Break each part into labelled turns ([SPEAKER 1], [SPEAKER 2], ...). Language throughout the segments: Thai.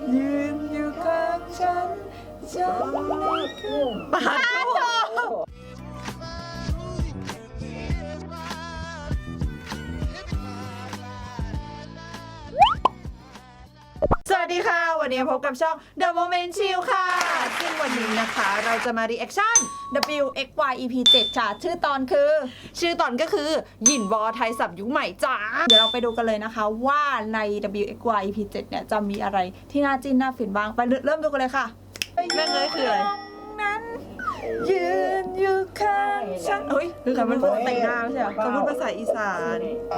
[SPEAKER 1] ยืนอยู่ข้างฉันจนไม่ขึ้นปาโถสวัสดีค่ะวันนี้พบกับช่อง The Moment Chill ค่ะซึ่งวันนี้นะคะเราจะมา reaction WXY EP 7ค่ะชื่อตอนก็คือหยินวอไทยสับยุคใหม่จ้าเดี๋ยวเราไปดูกันเลยนะคะว่าใน WXY EP 7เนี่ยจะมีอะไรที่น่าจิ้นน่าฟินบ้างไปเริ่มดูกันเลยค่ะแม่งเลยคืออะไรนั้นยืนอยู่ข้างฉันเฮ้ยคือมันพูดแต่งหน้าไม่ใช่เหรอเขาพูดภาษาอีสาน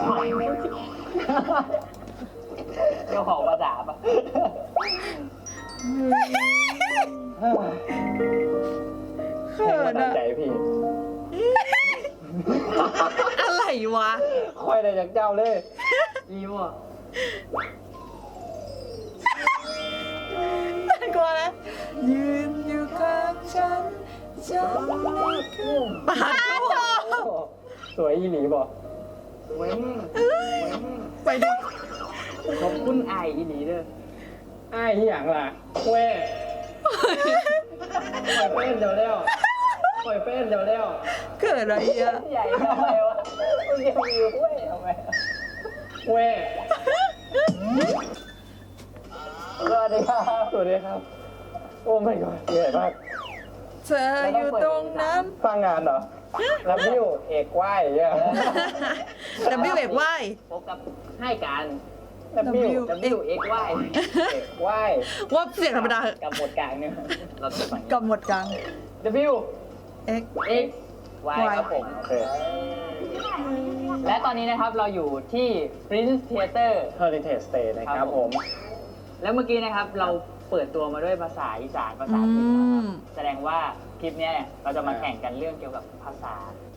[SPEAKER 2] เจ้าของภาษาปะ
[SPEAKER 1] เขินอะ
[SPEAKER 2] ใจพี่
[SPEAKER 1] อะไรวะ
[SPEAKER 2] ค่อยได้จากเจ้าเลยยิ้มอ่ะ
[SPEAKER 1] น่ากลัวนะยืนอยู่ข้างฉันจะไม่ขึ้นปาโถ
[SPEAKER 2] สวยอีหลีบอกเว้ง
[SPEAKER 1] ไปดิ
[SPEAKER 2] ขอบคุณไออีหลีเด้อไอที่อย่างล่ะแว่ปล่อยเฟ้นเดี๋ยวแล้วปล่อยเฟ้นเดี๋ยวแล้ว
[SPEAKER 1] เกิดอะไรอ่ะ
[SPEAKER 2] ใหญ่ทำไมวะมึงยังมีแว่ทำไมแว่สวัสดีครับสวัสดีครับโอ้ไม่ก่อนใหญ่มาก
[SPEAKER 1] เธออยู่ตรงนั้น
[SPEAKER 2] ฟังงานเหรอแล้ววิวเอกไหวเนี่ย
[SPEAKER 1] WXY
[SPEAKER 2] พบกับให้การวิวเอกไหวเอกไหว
[SPEAKER 1] ว่าเสียงธรรมดา
[SPEAKER 2] กับหมวดกลางเนี่ยเราจะฟัง
[SPEAKER 1] กับหมวดกลาง
[SPEAKER 2] W
[SPEAKER 1] X
[SPEAKER 2] X Y ครับผมโอเคและตอนนี้นะครับเราอยู่ที่ Prince Theater Heritage Stay นะครับผมแล้วเมื่อกี้นะครับเราเปิดตัวมาด้วยภาษาอีสานภาษาถิ่นนะครับแสดงว่าคลิปนี้เนี่ยเราจะมาแข่งกันเรื่องเกี่ยวกับภาษา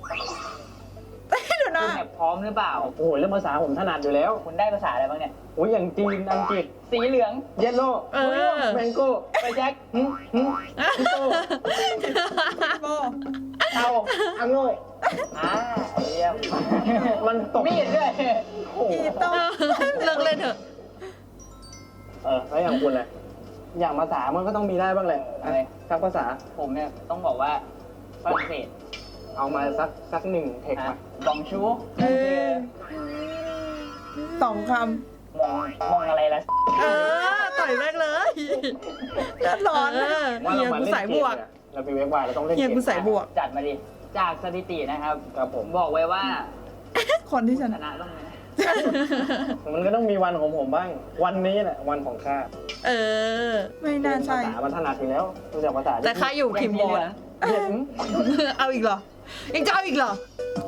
[SPEAKER 1] ดูนะ
[SPEAKER 2] คุณพร้อมหรือเปล่าโอ้โหเรื่องภาษาผมถนัดอยู่แล้วคุณได้ภาษาอะไรบ้างเนี่ยโอ้ยอย่างจีนอังกฤษสีเหลืองเยลโล่แมงโก้ไปแจ็คโก้เอาอังโง่เยี่ยมมันตกมีดด้วยโอ้โห
[SPEAKER 1] เลิกเล่นเถอะ
[SPEAKER 2] แล้วอย่างคุณเลยอย่างภาษามันก็ต้องมีได้บ้างเลยอะไรสักภาษาผมเนี่ยต้องบอกว่าฝรั่งเศสเอามาสักหนึ่งเทคมาบองชู
[SPEAKER 1] สองค
[SPEAKER 2] มองอะไรล่ะ
[SPEAKER 1] ต่อยแม่งเลยเดือดร้อนเฮียกูสายบวก
[SPEAKER 2] เราไปเว็บวายเราต้องเล่น
[SPEAKER 1] เฮียกูสายบวก
[SPEAKER 2] จัดมาดิจากสถิตินะครับครับผมบอกไว้ว่า
[SPEAKER 1] คนที่ชนะ
[SPEAKER 2] ต้องมันก็ต้องมีวันของผมบ้างวันนี้แหละวันของข้า
[SPEAKER 1] ไม่น่าใช่
[SPEAKER 2] ภาษามันถนัดอยู่แล้วรู้จักภาษา
[SPEAKER 1] แต่ข้าอยู่ทีมโบนะเอาอีกเหรอยังจะเอาอีกเหรอ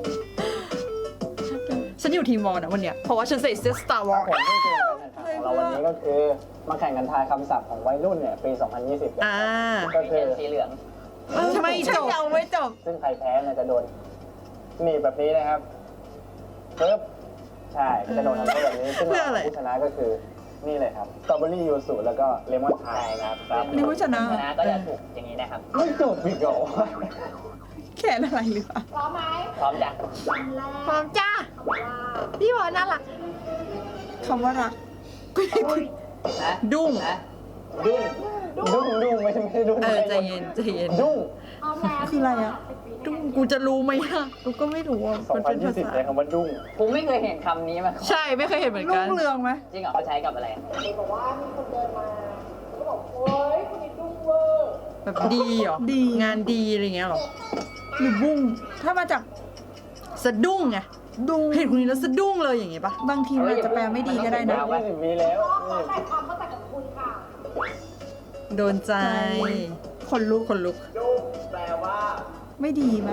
[SPEAKER 1] ฉันอยู่ทีมวอลนะวันเนี้ยเพราะว่าฉันใส่เสื้อ Star Wars
[SPEAKER 2] ผมไม่เจอการแข่งขันของเราวันนี้ก็คือมาแข่งกันทายคำศัพท์ของวัยรุ่นเนี่ยปี 2020ก็คือสีเหลือง
[SPEAKER 1] ทำไมยังไม่จบ
[SPEAKER 2] ซึ่งใครแพ้เนี่ยจะโดนหนีแบบนี้นะครับปึ๊บใช่จะโดนทำโทษแบบนี้ซึ่งผู้ชนะก็คือนี่เลยครับสตรอเบอรี่ยูสุแล้วก็เลมอนพายครับ
[SPEAKER 1] นี่ผู้ชนะ
[SPEAKER 2] ก็จะถูกอย่างนี้นะครับไม่จบอีกเหรอ
[SPEAKER 1] แค่อะไรหรือเปล่า
[SPEAKER 3] พร้อมไหม
[SPEAKER 2] พร้อมจ้ะ
[SPEAKER 1] พร้อมจ้าพี่วอน่ารักคำว่ารักดุ้ง
[SPEAKER 2] ไม่ใช่ดุ้ง
[SPEAKER 1] ใจเย็น
[SPEAKER 2] ดุ้ง
[SPEAKER 1] คืออะไรอ่ะดุ้งกูจะรู้ไหมอ่ะกูก็ไม่รู้อ่ะ
[SPEAKER 2] มันเป็นภาษาใช้คำว่าดุ้งผมไม่เคยเห็นคำนี้มา
[SPEAKER 1] ใช่ไม่เคยเห็นเหมือนกันรุ่งเรืองไหม
[SPEAKER 2] จริงเหรอเขาใช้กับอะไร
[SPEAKER 3] บอกว่ามีคนเดินมาเขาบอกโอ๊ยคนนี้ดุ้งเวอร์
[SPEAKER 1] แบบดีเหรอดีงานดีอะไรเงี้ยหรอหรือบุ้งถ้ามาจากสะดุ้งไงดุ้งเห็นคนนี้แล้วสะดุ้งเลยอย่างเงี้ยปะบางทีมันจะแปลไม่ดีก็ได้นะ
[SPEAKER 2] มีแล้ว
[SPEAKER 3] แต่ความเข้าใจกับคุณค่ะ
[SPEAKER 1] โดนใจคนลุก
[SPEAKER 2] ดุ้งแปลว่า
[SPEAKER 1] ไม่ดีไหม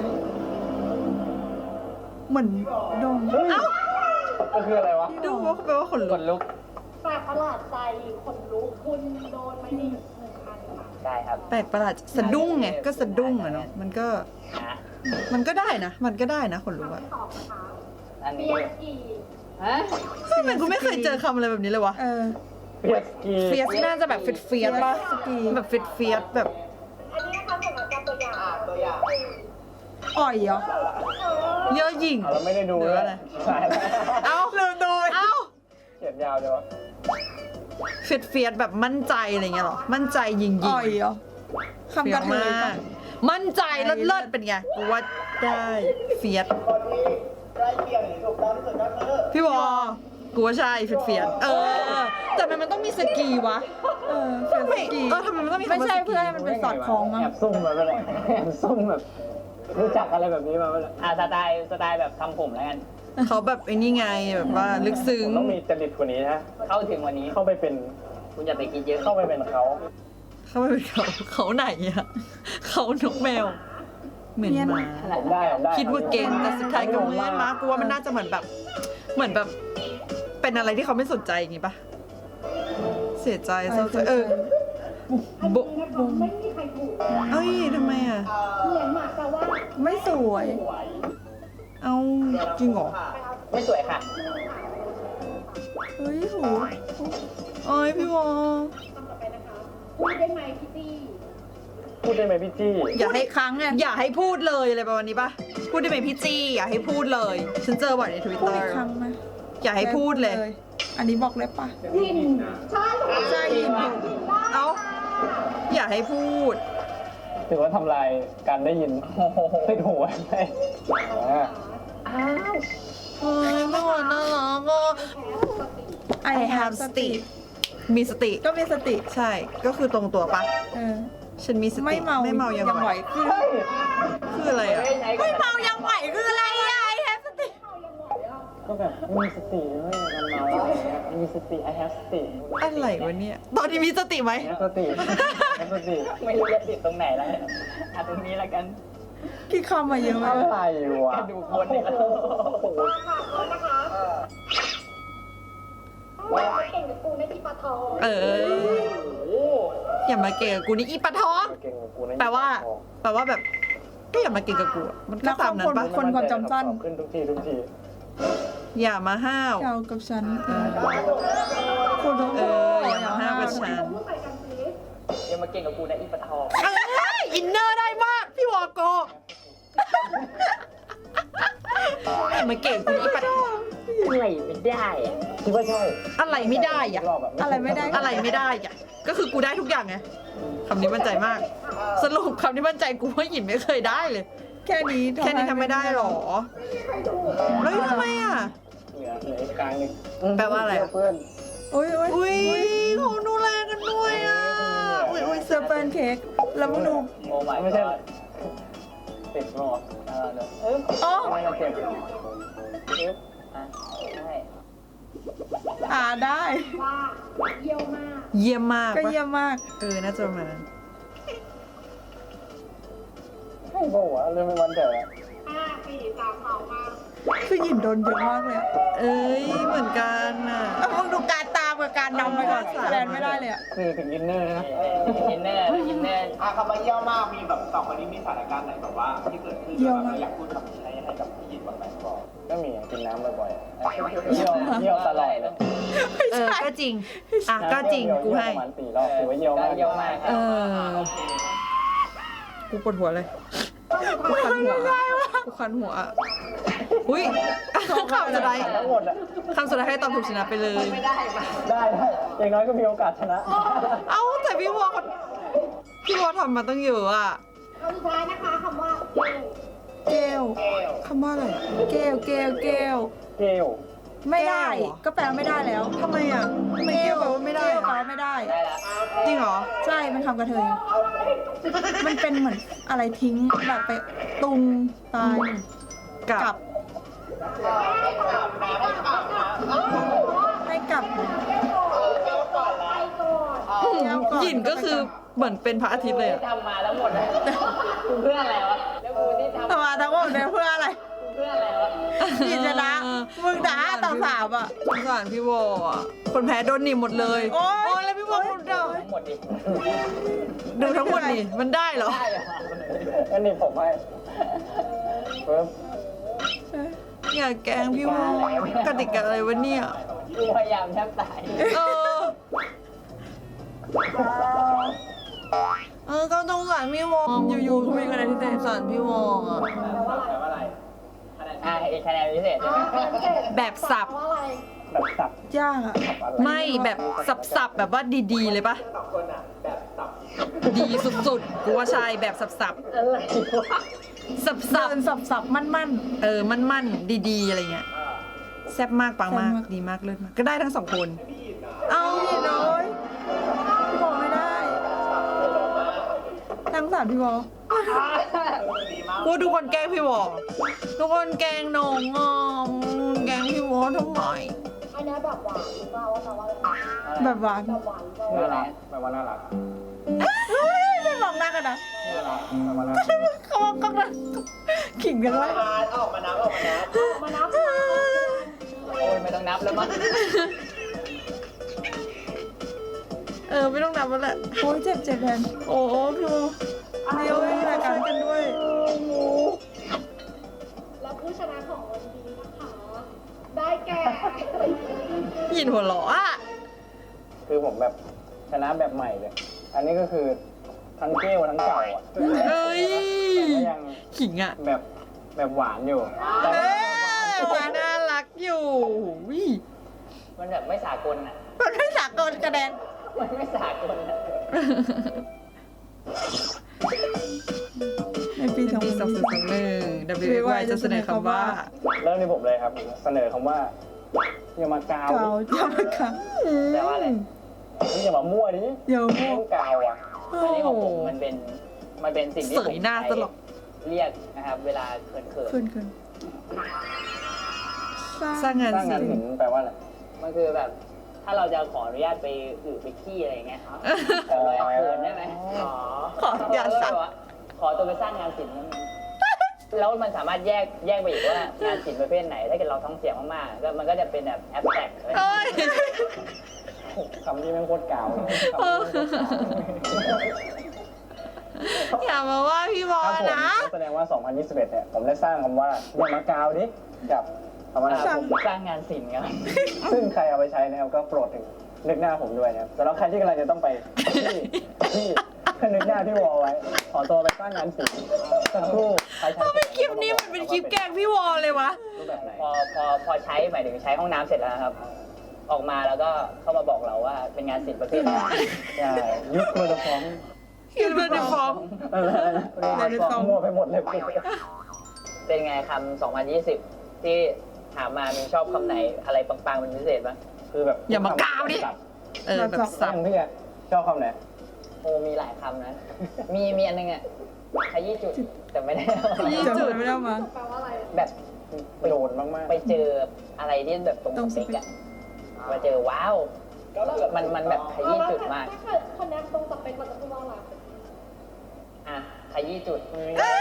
[SPEAKER 1] เหมือนดง
[SPEAKER 2] ก็คืออะไรวะ
[SPEAKER 1] ดุ้งว่าแปลว่าขนลุก
[SPEAKER 3] แปลกประหลาดใจขนลุกคุณโดนไม่ดี1,000ค่ะ
[SPEAKER 2] ได้ครับ
[SPEAKER 1] แปลกประหลาดสะดุ้งไงก็สะดุ้งอะเนาะมันก็ได้นะมันก็ได้นะขนลุกอะ
[SPEAKER 2] อันนี้
[SPEAKER 1] ทำไมกูไม่เคยเจอคำอะไรแบบนี้เลยวะเฟียสน่าจะแบบเฟียสป่ะแบบเฟียสแบบ
[SPEAKER 3] อันนี้นะคะสำหรับการตัวอย่าง
[SPEAKER 1] อ่อยเหรอเยอะหยิ่ง
[SPEAKER 2] เราไม่ได้ดูเลย
[SPEAKER 1] เอาลืมดูเอา
[SPEAKER 2] เขียนยาวเดี๋ยว
[SPEAKER 1] เฟียดแบบมั่นใจอะไรเงี้ยหรอมั่นใจยิง
[SPEAKER 4] อ่อยเหรอคำกระเทย
[SPEAKER 1] มา
[SPEAKER 4] ปะ
[SPEAKER 1] กมั่นใจเลิศๆเป็นไงกูว่าได้เฟียด
[SPEAKER 3] คนที่ใกล้เคียงหรือถูกต้องที่สุดก็คือ
[SPEAKER 1] พี่วอกูว่าใช่เฟียดแต่มันต้องมีสกีวะ
[SPEAKER 4] เฟียส
[SPEAKER 1] ไม่
[SPEAKER 4] กี
[SPEAKER 1] ทำไมมันต้องมีคำ
[SPEAKER 4] ไม่
[SPEAKER 1] ว่า
[SPEAKER 4] ใช่
[SPEAKER 1] สกี
[SPEAKER 4] เพื่อให้มันเป็นสอดคล้องมั้ง
[SPEAKER 2] แอบซุ่มมาไปเลยแอบซุ่มแบบรู้จักอะไรแบบนี้มาไปเลยสไตล์แบบทำผมแล้วกัน
[SPEAKER 1] เขาแบบไอ้นี่ไงแบบว่าลึกซึ้ง
[SPEAKER 5] ต้องมีจริตกว่านี้นะ
[SPEAKER 2] เข้าถึงวันนี้
[SPEAKER 5] เข้าไปเป็น
[SPEAKER 2] คุณอย่าไปคิดเยอะ
[SPEAKER 5] เข้าไปเป็นเขา
[SPEAKER 1] เขาไม่เป็นเขาไหนอะเขานกแมว เหมือนหมา
[SPEAKER 5] ผมได้ผมได้
[SPEAKER 1] คิดว่าเก่งแต่สุดท้ายก็ไม่มากูว่ามันน่าจะเหมือนแบบเป็นอะไรที่เขาไม่สนใจอย่างงี้ปะเสียใจเศร้าใจโบ
[SPEAKER 3] นะคะไม่มีใครถูก
[SPEAKER 1] เอ้ยทำไมอะ
[SPEAKER 3] เหมือนหมาแต่ว่า
[SPEAKER 4] ไม่สวย
[SPEAKER 1] เอาจริงเหรอ
[SPEAKER 2] ไม่สวยค่ะ
[SPEAKER 4] เฮ้ยโห
[SPEAKER 1] เอ้ยพี่วอ
[SPEAKER 3] ต่อไปนะคะพูดได้ไหมพี่ตี้
[SPEAKER 5] พูดได้ไหมพี่จี้
[SPEAKER 1] อย่าให้
[SPEAKER 4] ครั้งไง
[SPEAKER 1] อย่าให้พูดเลยอะไรประมาณนี้ปะพูดได้ไหมพี่จี้อย่าให้พูดเลย ฉันเจอบ่อยในทวิต
[SPEAKER 4] พู
[SPEAKER 1] เต
[SPEAKER 4] ด
[SPEAKER 1] อ
[SPEAKER 4] อี
[SPEAKER 1] ร์
[SPEAKER 4] กครั้งไหม
[SPEAKER 1] อย่าให้พูดเลย
[SPEAKER 4] อันนี้บอกเลยปะ
[SPEAKER 3] ยินใช่
[SPEAKER 4] ใช่ยินอยู่
[SPEAKER 1] เอ้าอย่าให้พูด
[SPEAKER 5] ถือว่าทำลายการได้ยินติดหูไว้ไหม
[SPEAKER 1] เฮ้ยไม่ไหวน่ารักอ่ะ
[SPEAKER 4] I
[SPEAKER 1] I have สติ มีสติ
[SPEAKER 4] ก็มีสติ
[SPEAKER 1] ใช่ ก็คือตรงตัวปะ
[SPEAKER 4] เออ
[SPEAKER 1] ฉันมีสติ
[SPEAKER 4] ไม่เมา
[SPEAKER 1] ไม่เมายัง
[SPEAKER 4] ไหวคือ
[SPEAKER 1] คืออะไรอ่ะ
[SPEAKER 4] ไม่เมายังไหวคืออะไรอะ I have สติ
[SPEAKER 5] ก็แบบมีสติไม่มันเมาอะไรเงี้ยมีสติ I have สติ
[SPEAKER 1] อะไรวะเนี่ย ตอนนี้มีสติไหม
[SPEAKER 5] สติสติ
[SPEAKER 2] ไม่รู้จะติดตรงไหนแล้วตรงนี้แล้วกัน
[SPEAKER 4] กี่คำมาเยอะมาก
[SPEAKER 5] อะไรวะ
[SPEAKER 2] ดูคนเนี่ย
[SPEAKER 3] ค่ะโทษนะคะว่าเก่งกับกูในที่ปะทอง
[SPEAKER 1] อย่ามาเก่งกับกูนี่อีปะท้อง
[SPEAKER 5] เก่งกว่ากูนะ
[SPEAKER 1] แปลว่าแบบ ก็อย่ามาเก่งกับกูอะมันก็ตามนั้นปะ
[SPEAKER 4] คนความจำสั้น
[SPEAKER 5] ขึ้นทุกที
[SPEAKER 1] อย่ามาห้าว
[SPEAKER 4] เกี่ยวกับฉันคุณต้อง
[SPEAKER 1] อย่ามาห้าวกับฉัน
[SPEAKER 3] พูดใส่กันสิ
[SPEAKER 2] อย่ามาเก่งกับกูนะอีปะทอง
[SPEAKER 1] อินเนอร์ได้มาก พี่วอโกอย่ามาเก่งกูนี่อีปะท้อง
[SPEAKER 2] อะไรไม่ได้อะ
[SPEAKER 5] คิดว่าใช่
[SPEAKER 1] อะไรไม่ได้อะ
[SPEAKER 5] รอบแบบ
[SPEAKER 4] อะไรไม่ได้
[SPEAKER 1] อะไรไม่ได้อะก็คือกูได้ทุกอย่างไงคำนี้มั่นใจมาก สรุปคำนี้มั่นใจกูว่าหยินไม่เคยได้เลย
[SPEAKER 4] แค่นี้
[SPEAKER 1] แค่นี้ทำไม่ได้หรอเฮ้ยทำไมอ่ะ
[SPEAKER 5] เหลืออีกกลางหนึง
[SPEAKER 1] แปลว่าอะไรอะ
[SPEAKER 5] เพื่อน
[SPEAKER 4] อุ้ย
[SPEAKER 1] อุ้ยเขาดูแลกันด้วยอ่ะอุ้ย
[SPEAKER 4] เซอร์เปิลเค้กแล้วมึงดู
[SPEAKER 2] โอ้ my
[SPEAKER 5] ไม่ใช่
[SPEAKER 2] god
[SPEAKER 5] ติดรอ
[SPEAKER 4] อ๋อ
[SPEAKER 5] ไม่ต้องเก็บ
[SPEAKER 2] ใช่
[SPEAKER 4] ได้
[SPEAKER 3] ว่าเยี่ยวมาก
[SPEAKER 1] เยี่ยมมาก
[SPEAKER 4] ก็
[SPEAKER 1] ปะ
[SPEAKER 4] เยี่ยมมาก
[SPEAKER 1] น่าจะประมาณนั้น
[SPEAKER 5] ให้บอกว่าเรื่องไม่วันแต่ละ
[SPEAKER 3] 5 4 3 2 มา
[SPEAKER 4] คือหยินโดนเยอะมากเลยอะ
[SPEAKER 1] เอ้ยเหมือนกันอ่ะ
[SPEAKER 4] มึงดูการตามกับการนำไปก่อนแลนไม่ได้เลยอะ
[SPEAKER 5] คือถึงอินเนอร์นะ
[SPEAKER 2] อินเนอร์อินเนอร์
[SPEAKER 6] คำว่าเยี่ยมมากมีแบบสองคนนี้มีสถานการณ์ไหนแบบว่าที่เกิดขึ้นแล้วแบบอยากพูดคำนี้ให้กับพี่ยินบ้างไหมบอก
[SPEAKER 5] ก็มีกินน้ำบ่อยๆเยี่ยวตลอดเลย
[SPEAKER 1] ก็จริงก็จริงกูให้
[SPEAKER 5] ประมาณ4 รอบถือว่าเยี่ยวมาก
[SPEAKER 2] เยอะมากค
[SPEAKER 1] เอ
[SPEAKER 2] รับ
[SPEAKER 1] กูปวดหัวเลยกูคันหัวกูคันหัวอุ้ยคำสุดท้าย
[SPEAKER 5] ทั้งหมดอะ
[SPEAKER 1] คำสุดท้ายให้ตอบถูกชนะไปเลย
[SPEAKER 5] ได้อย่างน้อยก็มีโอกาสชนะ
[SPEAKER 1] เอ้าแต่พี่วอทำมาตั้งเยอะอ่ะ
[SPEAKER 3] คำสุดท้ายนะคะคำว่าเกล
[SPEAKER 4] เกล
[SPEAKER 1] คำว่าอะไร
[SPEAKER 4] เกล
[SPEAKER 5] เกล
[SPEAKER 4] ไม่ได้
[SPEAKER 1] แก้วเหรอ
[SPEAKER 4] ก็แปลไม่ได้แล้ว
[SPEAKER 1] ทำไมอ่ะไม่เกี่ยวกับว่าไม่ได้
[SPEAKER 4] เกล
[SPEAKER 1] อะ
[SPEAKER 4] แปลว่าไม่ได้
[SPEAKER 2] ได้แล้ว
[SPEAKER 1] จริงเหรอ
[SPEAKER 4] ใช่ มันคำกระเทย มันเป็นเหมือนอะไรทิ้งแบบไปตุงตาย
[SPEAKER 1] กับ
[SPEAKER 4] กลับ ให้กลับ
[SPEAKER 3] ไปก่อน
[SPEAKER 1] หยินก็คือเหมือนเป็นพระอาทิตย์เลยอะ
[SPEAKER 2] ทำมาแล้วหมดอะกูเพื่ออะไรวะแล้วกูที่ทำ
[SPEAKER 4] ทำมาทั้งหมดเนี่ยเพื่ออะไร
[SPEAKER 2] เพื่ออะไรวะ
[SPEAKER 4] หยินชนะ มึงด่าต่อสามอ่ะ
[SPEAKER 1] สงสารพี่วออะคนแพ้โดนหนีบหมดเลย
[SPEAKER 4] โอ๊ย
[SPEAKER 1] แล้วพี่วอคนเดียว
[SPEAKER 2] ทั้งหมดดิ
[SPEAKER 1] ดูทั้งหมดนี่มันได้เหรอ
[SPEAKER 2] ได้เหรอ
[SPEAKER 5] งั้นนี่ผมให้ปึ๊บ
[SPEAKER 1] อย่าแกล้งพี่วอกติกาอะไรวะเนี่ย
[SPEAKER 2] กูพยายามแทบตาย
[SPEAKER 1] เออก็สงสารพี่วออยู่ๆคุยกันอะไรที่แต่สงสารพี่วออะ
[SPEAKER 2] อีกคะแนนพิเศษใช่ไหม
[SPEAKER 1] แบบสับ
[SPEAKER 3] ว่าอะไร
[SPEAKER 5] แบบสับ
[SPEAKER 4] ยากอะ
[SPEAKER 5] อะไร
[SPEAKER 1] ไม่แบบสับๆแบบว่าดีๆเลยปะ
[SPEAKER 6] สองคนอ่ะแบบสับ
[SPEAKER 1] ดีสุดๆกูว่าใช่แบบสับ
[SPEAKER 2] อะไรวะ
[SPEAKER 1] ๆสับ
[SPEAKER 4] เดินสับๆมั่น
[SPEAKER 1] ๆมั่นๆดีๆอะไรเงี้ยแซ่บมากปังมาก
[SPEAKER 4] แซ่บมาก
[SPEAKER 1] ดีมากเลิศมากก็ได้ทั้งสองคน เอา
[SPEAKER 4] ๆพี่น้อยพี่บอกไม่ได้ทั้งสามพี่บอก
[SPEAKER 1] พูดทุกคนแกล้งพี่วอทุกคนแกล้งน้องงอมแกล้งพี่วอทำไม
[SPEAKER 3] อันนี้แบบหวานหรือเปล่าว่าแปลว่าอะไร
[SPEAKER 4] แบบหวาน
[SPEAKER 3] แบบหวานหรือเปล่า
[SPEAKER 5] น่ารักแปลว่าน่ารัก
[SPEAKER 4] เฮ้ยไม่มองหน้ากันนะ
[SPEAKER 5] น่ารักแปลว่าน่ารัก
[SPEAKER 4] เขาบอกกันนะขิงกันไว้
[SPEAKER 6] ออกมานับ
[SPEAKER 3] มานับ
[SPEAKER 2] โอ้ยไม่ต้องนับแล้วมั้ง
[SPEAKER 1] ไม่ต้องนับแล้วแหละ
[SPEAKER 4] โอ้ยเจ็บแทน
[SPEAKER 1] โอ้พี่วอ
[SPEAKER 4] เดี๋ยวมีรายการกันด้วย
[SPEAKER 3] แล้วผู้ชนะของวันนี้นะคะ ได้แก่
[SPEAKER 1] ยินหัวเราะอ่ะ
[SPEAKER 5] คือผมแบบชนะแบบใหม่เลย อันนี้ก็คือทั้งเกลทั้งเก่าอ่ะ
[SPEAKER 1] เอ้ย
[SPEAKER 5] แต่ก็ยัง
[SPEAKER 1] ขิงอ่ะ
[SPEAKER 5] แบบหวานอยู่แต่
[SPEAKER 1] น่ารักอยู่วิ
[SPEAKER 2] มันแบบไม่สากลอ่ะ
[SPEAKER 4] มันไม่สากลกระแดน
[SPEAKER 2] มันไม่สากลอ่ะ
[SPEAKER 4] ในปี
[SPEAKER 1] ปี2021 WY จะเสนอคำว่า
[SPEAKER 5] เริ่มที่ผมเลยครับ เสนอคำว่าอย่ามากาว
[SPEAKER 4] เก่าจำไม่ค่ะ
[SPEAKER 2] แปลว่าอะไร
[SPEAKER 5] นี่อย่ามามั่วดิ
[SPEAKER 4] เดี๋ยว
[SPEAKER 5] เรื่องกาวอ่ะ
[SPEAKER 2] อันนี้ของผมมันเป็นสิ่งที่
[SPEAKER 1] เส
[SPEAKER 2] ผม
[SPEAKER 1] ยหน้าตลก
[SPEAKER 2] เรียกนะครับ เวลาเขิน
[SPEAKER 4] ขึ้น
[SPEAKER 1] สร้างงาน
[SPEAKER 5] สร้างงาน
[SPEAKER 1] ศิล
[SPEAKER 5] ศิล
[SPEAKER 1] ป์
[SPEAKER 5] ป์แปลว่าอะไร
[SPEAKER 2] ๆมันคือแบบ ถ้าเราจะขออนุญาตไปไปขี้อะไรอย่างเงี้ยครับแบบเราเขินได้ไหม
[SPEAKER 1] ขออย่าสั่ง
[SPEAKER 2] ขอตัวไปสร้างงานศิลป์นั้นแล้วมันสามารถแยกไปอีกว่างานศิลป์ประเภทไหน ถ้าเกิดเราท้องเสียงมากๆก็มันก็จะเป็นแบบแอปแตก
[SPEAKER 1] เอ้ย
[SPEAKER 5] คำที่แม่งโคตรกาวเลยคำที่แม่งโคตรกาวเลย
[SPEAKER 1] อย่ามาว่าพี่บอ
[SPEAKER 5] ครับผม
[SPEAKER 1] นะ
[SPEAKER 5] แสดงว่า 2021 เนี่ย ผมได้สร้างคำว่าอย่ามากาวดิกับคำว่า
[SPEAKER 2] ผมสร้างงานศิลป์ครับ
[SPEAKER 5] ซึ่งใครเอาไปใช้นะครับก็โปรดถึงนึกหน้าผมด้วยนะครับสำหรับใครที่กำลังจะต้องไปที่นึกหน้าพี่วอไว้ ขอตัวไปสร้างงานศิลป์สักครู่ใครใช้
[SPEAKER 1] ทำไมคลิปนี้มันเป็นคลิปแกล้งพี่วอเลยวะ
[SPEAKER 5] รูปแบบไหน
[SPEAKER 2] พอใช้หมายถึงใช้ห้องน้ำเสร็จแล้วนะครับ ออกมาแล้วก็เข้ามาบอกเราว่าเป็นงานศิลป์ประเภทไหน
[SPEAKER 5] ใช่ยุคโคโรฟอม
[SPEAKER 1] คิดว่าในฟอร์ม
[SPEAKER 5] มั่วไปหมดเลย
[SPEAKER 2] เป็นไงคำ2020 ที่ถามมามีชอบคำไหนอะไรปังๆเป็นพิเศษบ้าง
[SPEAKER 5] คือแบบ
[SPEAKER 1] อย่ามากาวดิ แบบ
[SPEAKER 5] สั
[SPEAKER 1] สั
[SPEAKER 5] บบ พี่อะชอบคำไหน
[SPEAKER 2] โอ้มีหลายคำนะ มีอันนึงอ่ะขยี้จุดแต่ไม่ได้
[SPEAKER 1] ขยี้
[SPEAKER 4] จำไม่ได้มา
[SPEAKER 3] แปลว่าอะไร
[SPEAKER 2] แบบ
[SPEAKER 5] โดนมากๆ
[SPEAKER 2] ไปเจออะไรที่แบบตรงสเปกอะมาเจอว้าว มันแบบขยี้จุดมาก
[SPEAKER 3] ถ้าเกิดคนนี้ตรงสเปคเราจะพูดว่าอะไร
[SPEAKER 2] อ่ะขยี้จุด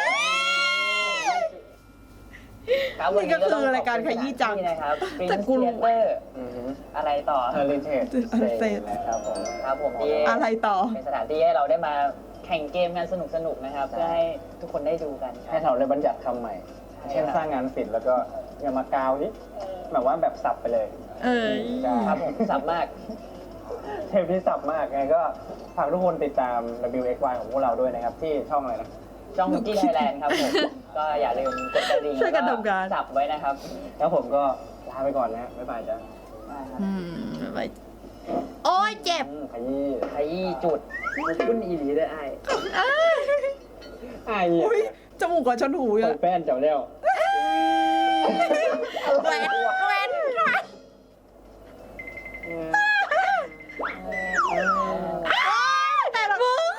[SPEAKER 1] นี่ก็คือรายการขยี้จัง
[SPEAKER 2] นี่นะครับ
[SPEAKER 1] แต่กูรู้
[SPEAKER 2] เตอร์อะไรต่อ
[SPEAKER 5] Heritage
[SPEAKER 4] Heritage
[SPEAKER 5] นะครับผม
[SPEAKER 2] ครับผมที่
[SPEAKER 4] อะไรต่อ
[SPEAKER 2] เป็นสถานที่ให้เราได้มาแข่งเกมกันสนุกๆนะครับ เพื่อให้ทุกคนได้ดูกัน
[SPEAKER 5] ให้เราได้บัญญัติคำใหม่ เช่นสร้างงานศิลป์แล้วก็อย่ามากาวดิแบบว่าแบบสับไปเลย
[SPEAKER 2] ครับผมสับมาก
[SPEAKER 5] เทปที่สับมากไงก็ฝากทุกคนติดตาม WXY ของพวกเราด้วยนะครับ ที่ช่องอะไรนะ
[SPEAKER 2] ช่องกี้ไทยแลนด์ครับผม ก็อย่าลืมกดกระดิ่ง
[SPEAKER 1] ช่วยกันทำงาน
[SPEAKER 2] สับไว้นะครับ
[SPEAKER 5] แล้วผมก็ลาไปก่อนนะบ๊ายบายจ้ะ
[SPEAKER 1] ไปโอ้ยเจ็บ
[SPEAKER 5] ขยี้
[SPEAKER 2] ขยี้จุดขึ้นอีหลีได้ไอ้
[SPEAKER 5] อ้าย
[SPEAKER 4] อุ้ยจมูกกับชนหู
[SPEAKER 5] เปิ
[SPEAKER 4] อ่ะ
[SPEAKER 5] ดแป้นเจ้าแล้ว
[SPEAKER 1] แหวน
[SPEAKER 4] แต่ละมึง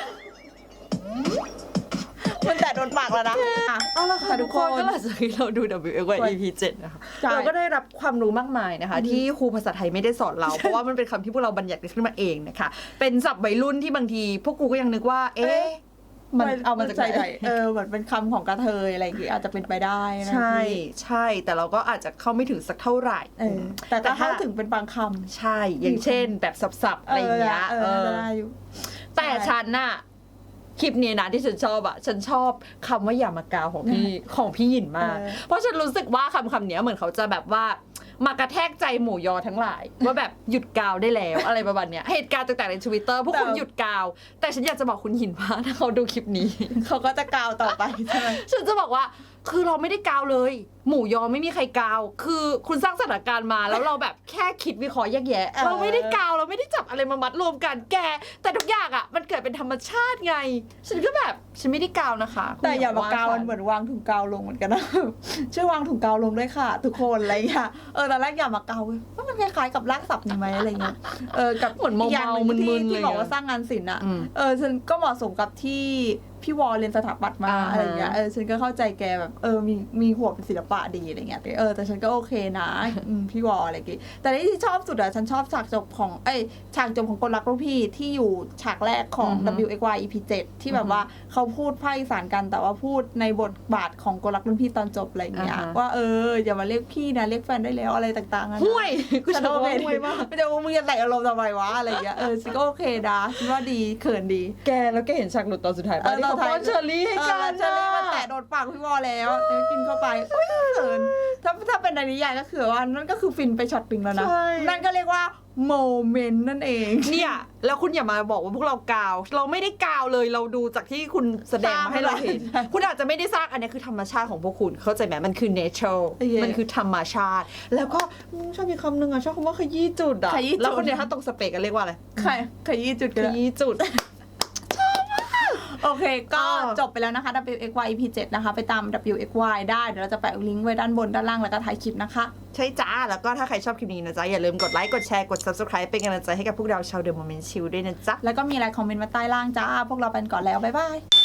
[SPEAKER 4] มันแต่โดนปากแล้วนะอ่ะ
[SPEAKER 1] เอาละค่ะทุกคนก็หลังจากที่เราดู WXY EP 7นะคะ
[SPEAKER 4] ใช่
[SPEAKER 1] เราก็ได้รับความรู้มากมายนะคะ ที่ครูภาษาไทยไม่ได้สอนเรา เพราะว่ามันเป็นคำที่พวกเราบัญญัติขึ้นมาเองนะคะ เป็นศัพท์วัยรุ่นที่บางที พวกกูก็ยังนึกว่า เอ๊ะมันเอามาจากไหน
[SPEAKER 4] เหมือนเป็นคำของกระเทยอะไรอย่างงี้อาจจะเป็นไปได้นะ
[SPEAKER 1] ใช่ใช่แต่เราก็อาจจะเข้าไม่ถึงสักเท่าไหร่
[SPEAKER 4] แต่ก็เข้าถึงเป็นบางคำ
[SPEAKER 1] ใช่ อย่างเช่น แบบสับๆอะไรอย่างเงี้ย
[SPEAKER 4] ได้อยู่
[SPEAKER 1] แต่ฉันน่ะคลิปนี้นะที่ฉันชอบอะฉันชอบคำว่าอย่ามากาวของพี่หยินมาก เพราะฉันรู้สึกว่าคำนี้เหมือนเขาจะแบบว่ามากระแทกใจหมู่ยอทั้งหลาย ว่าแบบหยุดกาวได้แล้ว อะไรประมาณเนี้ยเหตุการณ์ต่างๆใน Twitter พวกคุณหยุดกาว แต่ฉันอยากจะบอกคุณหยินว่าถ้าเขาดูคลิปนี้
[SPEAKER 4] เขาก็จะกาวต่อไปใช่ไหม
[SPEAKER 1] ฉันจะบอกว่าคือเราไม่ได้กาวเลย หมูยอไม่มีใครกาว คือคุณสร้างสถานการณ์มาแล้วเราแบบแค่คิดวิเคราะห์แยกแยะ เราไม่ได้กาวเราไม่ได้จับอะไรมามัดรวมกันแก แต่ทุกอย่างอ่ะมันเกิดเป็นธรรมชาติไง ฉันก็แบบฉันไม่ได้กาวนะคะคุณ
[SPEAKER 4] แต่อย่ามากาว
[SPEAKER 1] ฉั
[SPEAKER 4] มันเหมือนวางถุงกาวลงเหมือนกันนะ ช่วยวางถุงกาวลงด้วยค่ะ ทุกคนอะไรอย่างเงี้ยตอนแรกอย่ามากาวว่ามันคล้ายๆกับรากศัพท์นี่ไหมอะไรเงี้ยกับ
[SPEAKER 1] เหมือนเมา
[SPEAKER 4] อีกอย่างหนึ่ง
[SPEAKER 1] มึน
[SPEAKER 4] ที่
[SPEAKER 1] ๆ
[SPEAKER 4] ที่
[SPEAKER 1] เลย
[SPEAKER 4] บอกว่าสร้างงานศิลป์อ่ะ
[SPEAKER 1] อืม
[SPEAKER 4] ฉันก็เหมาะสมกับที่พี่วอเรียนสถาปัตย์มา
[SPEAKER 1] อ่าฮะ
[SPEAKER 4] อะไรเงี้ยฉันก็เข้าใจแกแบบมีหัวเป็นศิลปะดีอะไรเงี้ยแต่ฉันก็โอเคนะพี่วออะไรกี้แต่ที่ชอบสุดอะฉันชอบฉากจบของฉากจบของกลรักลูกพี่ที่อยู่ฉากแรกของ WXY EP 7ที่แบบว่าเขาพูดภาคอีสานกันแต่ว่าพูดในบทบาทของกลรักรุ่นพี่ตอนจบอะไรเงี้ย
[SPEAKER 1] อ่าฮะ
[SPEAKER 4] ว่าอย่ามาเรียกพี่นะเรียกแฟนได้แล้วอะไรต่างๆอะนะ
[SPEAKER 1] ห่วยกู
[SPEAKER 4] ฉัน
[SPEAKER 1] ชอบ
[SPEAKER 4] โอเค
[SPEAKER 1] ห่วยมาก
[SPEAKER 4] ไม่แต่ว่ามึงจะแต่งอารมณ์ทำไมวะอะไรอย่างเงี้ยฉันก็โอเคนะฉันว่าดีเขินดี
[SPEAKER 1] แกแล้วแกเห็นฉากหลุดตอนสุดท้ายป่ะที่เขาป้อนเชอร์รี่ให้กัน
[SPEAKER 4] เชอรี่มาแตะโดนปากพี่วอแล้วแล้วกินเข้าไปอุ๊ยเขินถ้าเป็นในนิยายก็คือว่านั่นก็คือฟินไปช็อตปิงแล้วนะ
[SPEAKER 1] ใช่
[SPEAKER 4] นั่นก็เรียกว่าโมเมนต์นั่นเอง
[SPEAKER 1] เนี่ยแล้วคุณอย่ามาบอกว่าพวกเรากาว เราไม่ได้กาวเลยเราดูจากที่คุณแสดงมาให้เราเห็น
[SPEAKER 4] ใช่
[SPEAKER 1] คุณอาจจะไม่ได้สร้างอันนี้คือธรรมชาติของพวกคุณเข้าใจไหมมันคือ nature
[SPEAKER 4] โอเค
[SPEAKER 1] มันคือธรรมชาติ แล้วก็ชอบมีคำหนึ่งอะชอบคำว่าขยี้จุดอะ
[SPEAKER 4] ขยี้จุด
[SPEAKER 1] แล้วคนเดียวถ้าตรงสเปกกันเรียกว่าอะไร
[SPEAKER 4] ขยี้จุด
[SPEAKER 1] ข
[SPEAKER 4] กัน
[SPEAKER 1] ยี้จุด
[SPEAKER 4] โอเค ก็
[SPEAKER 1] อ่า
[SPEAKER 4] จบไปแล้วนะคะ WXY EP 7นะคะ ไปตาม WXY ได้เดี๋ยวเราจะแปะลิงก์ไว้ด้านบนด้านล่างแล้วก็ท้ายคลิปนะคะ
[SPEAKER 1] ใช่จ้า แล้วก็ถ้าใครชอบคลิปนี้นะจ๊ะอย่าลืมกดไลค์กดแชร์กด subscribe เป็นกำลังใจให้กับพวกเราชาวเดอะโมเมนต์ชิลด้วยนะจ๊ะ
[SPEAKER 4] แล้วก็มีอะไรคอมเมนต์มาใต้ล่างจ้า พวกเราไปก่อนแล้ว บ๊ายบาย